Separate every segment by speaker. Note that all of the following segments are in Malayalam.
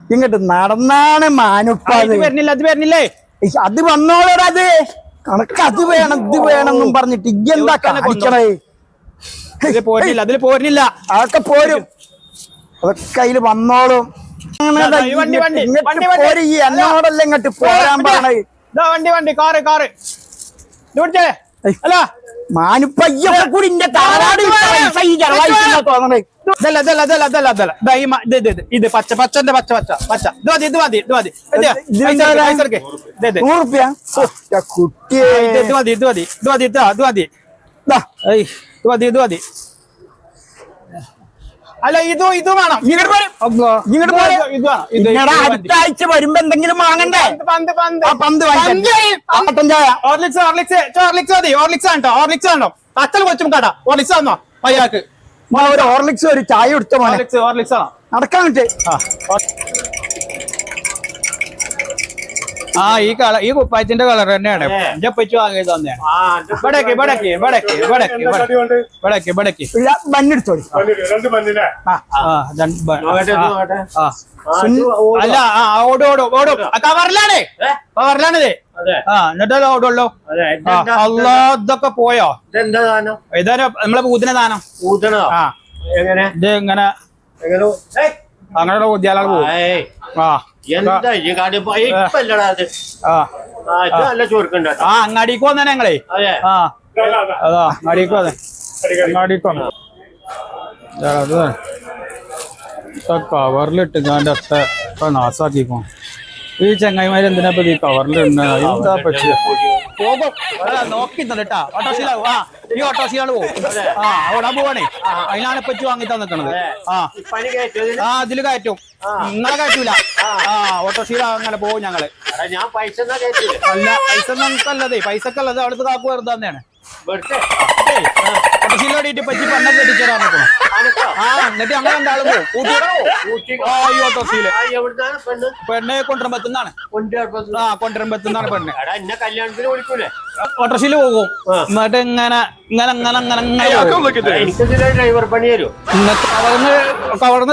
Speaker 1: ഇങ്ങോട്ട് നടന്നാണ് മാനുപ്പ
Speaker 2: വരുന്നില്ല അത് വരുന്നില്ലേ
Speaker 1: അത് വന്നോളൂടാ അത് കണക്ക് അത് വേണം ഇത് വേണമെന്നും പറഞ്ഞിട്ട് ഇയ്യെന്താ കാണിക്കണേ
Speaker 2: പോരുന്നില്ല അതിൽ പോരുന്നില്ല
Speaker 1: അതൊക്കെ പോരും അതൊക്കെ അതില് വന്നോളും എന്നോടല്ല ഇങ്ങോട്ട് പോരാൻ പറഞ്ഞേ
Speaker 2: വണ്ടി കാറ് അല്ല
Speaker 1: മാനുപ്പയ്യൊക്കെ കൂടി ഇന്റെ താരാട് തോന്നണേ
Speaker 2: ഇത് പച്ചന്റെ പച്ച ഇത് മതി
Speaker 1: 100 കുട്ടിയെ
Speaker 2: അല്ല ഇത് വേണം
Speaker 1: അടുത്ത ആഴ്ച വരുമ്പോ എന്തെങ്കിലും വാങ്ങണ്ടേ പന്ത്
Speaker 2: അച്ഛൻ കൊച്ചും കട ഓർലിക്സ് ആണോ അയാൾക്ക്
Speaker 1: ഒരു ഹോർലിക്സ് ഒരു ചായ എടുത്ത
Speaker 2: ഓർലിക്സ് ആണോ
Speaker 1: നടക്കാൻ പറ്റേ
Speaker 2: ഈ കുപ്പായത്തിന്റെ കളർ തന്നെയാണ് പച്ചു വാങ്ങി തന്നെയാണ്
Speaker 1: ബന്നെടുത്തോളി
Speaker 2: അല്ല ഓടും കവറിലാണിത് എന്നിട്ടല്ലോ ഓടുള്ളൂ അല്ലാ ഇതൊക്കെ പോയോ ഇതാ നമ്മളെ പൂതിന ദാനം ഇത് ഇങ്ങനെ അങ്ങനെ ഉദ്യാലകൾ പോകും അങ്ങാടിക്ക് വന്നെ ഞങ്ങളെ അതാ അങ്ങാടിക്ക് വന്നെ കവറിലിട്ട് ഞാൻ്റെ ഒക്കെ നാസാക്കിക്കോ ഈ ചങ്ങായിമാര് എന്തിനാ ഈ കവറിലിടുന്ന എന്താ പറ്റിയ നോക്കി തന്നിട്ടാ ഓട്ടോസിലാവും ഈ ഓട്ടോസിലാണ് പോകും ഓടാൻ പോവാണേ അതിനാണ് പറ്റി വാങ്ങി തന്നിക്കണത് അതില് കയറ്റും നിങ്ങളെ കയറ്റൂല ഓട്ടോസില അങ്ങനെ പോകും ഞങ്ങള് അല്ല പൈസ നമുക്കല്ലതേ പൈസക്കല്ലത് അവിടുത്തെ കാക്കു വെറുതെ തന്നെയാണ് ഓട്ടോസിലോടിയിട്ട് പറ്റി പെണ്ണെ കെട്ടിച്ചേരാൻ എന്നിട്ട് അങ്ങനെ എന്താളും ഈ ഓട്ടോസില് പെണ്ണെ കൊണ്ടുവരുമ്പത്തുന്നാണ് കൊണ്ടുവരുമ്പത്തുന്നാണ് പെണ്ണ് ഓട്ടോസില് പോകും എന്നിട്ട് ഇങ്ങനെ
Speaker 3: ഡ്രൈവർ പണി തരും
Speaker 2: കവർന്ന്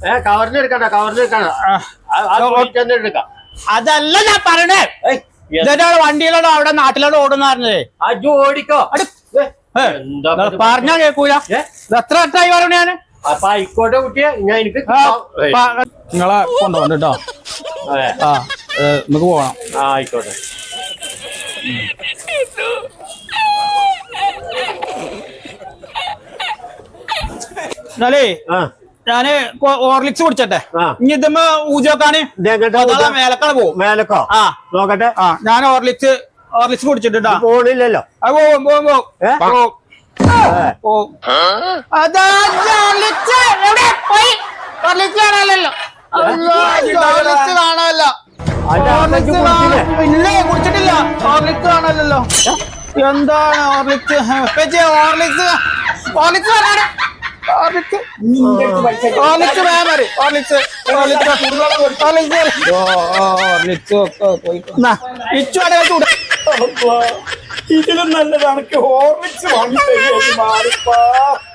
Speaker 3: എടുക്കാം
Speaker 2: അതല്ല ഞാൻ പറഞ്ഞേ വണ്ടിയിലോടോ അവിടെ നാട്ടിലോട് ഓടുന്ന പറഞ്ഞേ
Speaker 3: ഓടിക്കോ
Speaker 2: പറഞ്ഞാ കേക്കൂല എത്ര വട്ടായി പറഞ്ഞു ഞാന്
Speaker 3: അപ്പൊ ആയിക്കോട്ടെ കുട്ടിയെ ഞാൻ എനിക്ക്
Speaker 2: നിങ്ങളെ കൊണ്ടുപോകണ്ട കേട്ടോ നമുക്ക് പോകണം
Speaker 3: ആയിക്കോട്ടെ
Speaker 2: എന്നാലേ ഞാന് ഓർലിക്സ് കുടിച്ചട്ടെ ഇനി ഇതുമ്പോ ഊജോക്കാണ് മേലക്കാണ് പോകും
Speaker 3: മേലക്കോ നോക്കട്ടെ
Speaker 2: ഞാൻ ഓർലിക്സ് കുടിച്ചിട്ടാ
Speaker 3: പോണില്ലല്ലോ
Speaker 2: പോകും അതാ കാണാനല്ലോ ഇല്ലേ കുടിച്ചിട്ടില്ല ഓർലിക്സ് കാണാനല്ലോ എന്താണ് ഓർലിക്സ്
Speaker 1: ഇതിലും നല്ലതാണ് ഹോർലിക്സ് വാങ്ങി തരുമോ